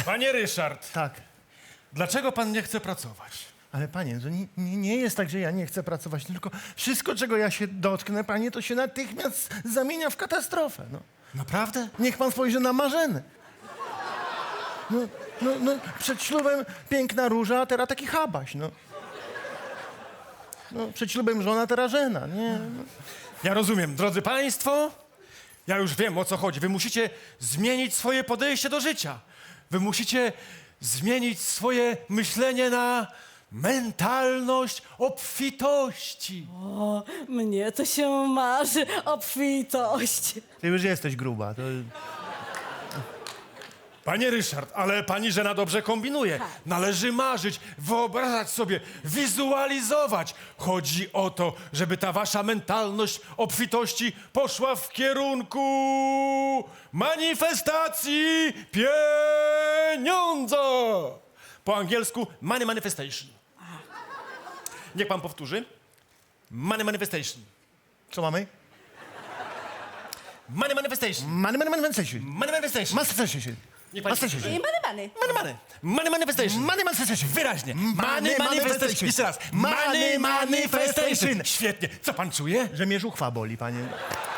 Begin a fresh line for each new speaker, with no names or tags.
Panie Ryszard,
Tak.
dlaczego pan nie chce pracować?
Ale panie, to nie jest tak, że ja nie chcę pracować, tylko wszystko, czego ja się dotknę, panie, to się natychmiast zamienia w katastrofę, no.
Naprawdę?
Niech pan spojrzy na Marzenę. No, przed ślubem piękna róża, a teraz taki chabaś, no. No, przed ślubem żona, teraz żena, nie? No.
Ja rozumiem, drodzy państwo, ja już wiem, o co chodzi. Wy musicie zmienić swoje podejście do życia. Wy musicie zmienić swoje myślenie na mentalność obfitości.
O, mnie to się marzy obfitość.
Ty już jesteś gruba, to...
Panie Ryszard, ale pani żena dobrze kombinuje. Należy marzyć, wyobrażać sobie, wizualizować. Chodzi o to, żeby ta wasza mentalność obfitości poszła w kierunku manifestacji pieniądza. Po angielsku money manifestation. Niech pan powtórzy. Money manifestation.
Co mamy?
Money manifestation.
Money.
Money manifestation.
Manifestation.
Niech pan-
I bany.
Money manifestation.
Money manifestation.
Wyraźnie.
Money manifestation.
Jeszcze raz.
Money manifestation.
Świetnie. Co pan czuje?
Że mnie żuchwa boli, panie.